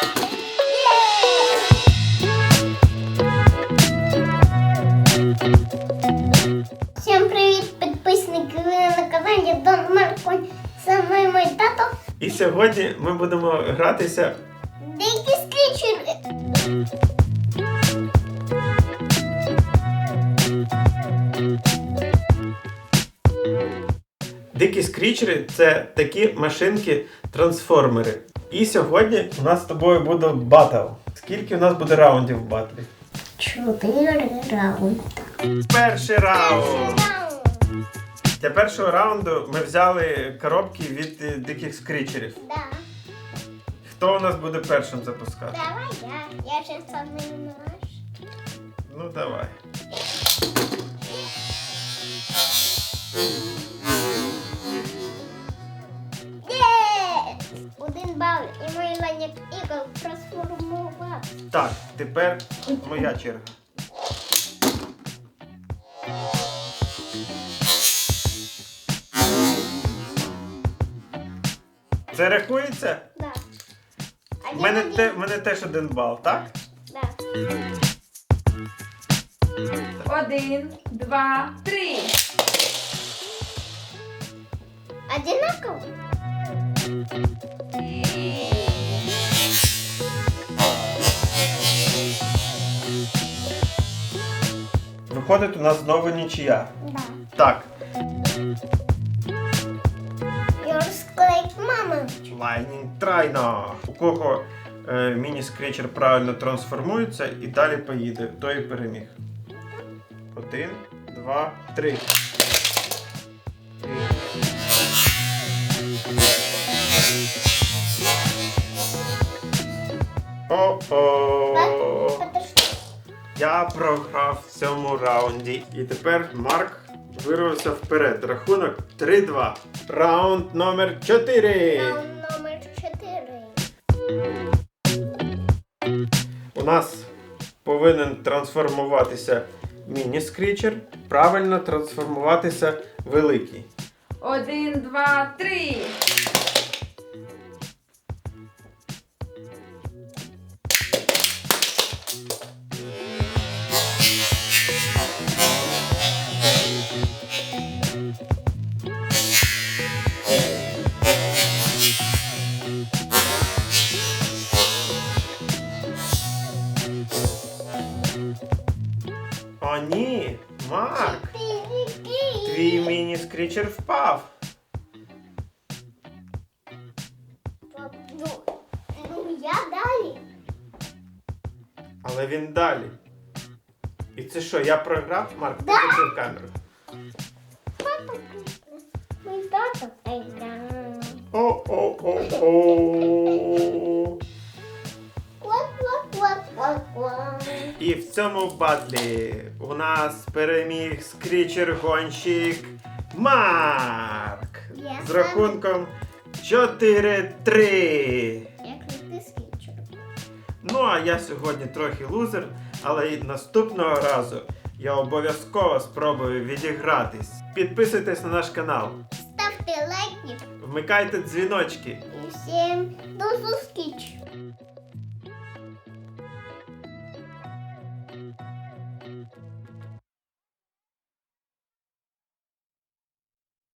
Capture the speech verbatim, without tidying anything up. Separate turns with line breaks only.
Всім привіт, підписники! Ви на каналі Дон Марко. Це мною мій тато.
І сьогодні ми будемо гратися
Дикі скрічери.
Дикі скрічери – це такі машинки-трансформери. І сьогодні у нас з тобою буде батл. Скільки у нас буде раундів в батлі?
Чотири раунди.
Перший раунд! Для першого раунду ми взяли коробки від е, диких скрічерів.
Да.
Хто у нас буде першим запускати?
Давай я. Я ще самий наш.
Ну давай.
Є! Один бал і мій ланік ігор трансформував.
Так, тепер моя черга. Це рахується?
Да.
У мене, те, в мене теж один бал, так?
Да.
Один, два, три.
Одинаково?
Виходить, у нас знову нічия.
Да.
Так,
Розклейк мама.
Lightning Trino. У кого е, міні-скрічер правильно трансформується і далі поїде, той і переміг. Один, два, три. О-о!
Подожди.
Я програв в цьому раунді. І тепер Марк вирвався вперед. Рахунок три-два. Раунд номер чотири.
Раунд номер чотири.
У нас повинен трансформуватися міні-скрічер. Правильно трансформуватися великий.
Один, два, три.
О, ні! Марк!
Чотири.
Твій міні-скрічер впав.
Ну, ну я далі.
Але він далі. І це що, я програв? Марк,
Да.
покажи камеру.
Папа, мій тато. Ай, да.
О-о-о-о.
Квак, квак, квак, квак, квак.
І в цьому батлі у нас переміг скрічер-гонщик Марк.
Я
З рахунком чотири-три.
Як не ти скічер.
Ну, а я сьогодні трохи лузер, але й наступного разу я обов'язково спробую відігратись. Підписуйтесь на наш канал,
Ставте лайки
вмикайте дзвіночки.
і всім до зустрічі.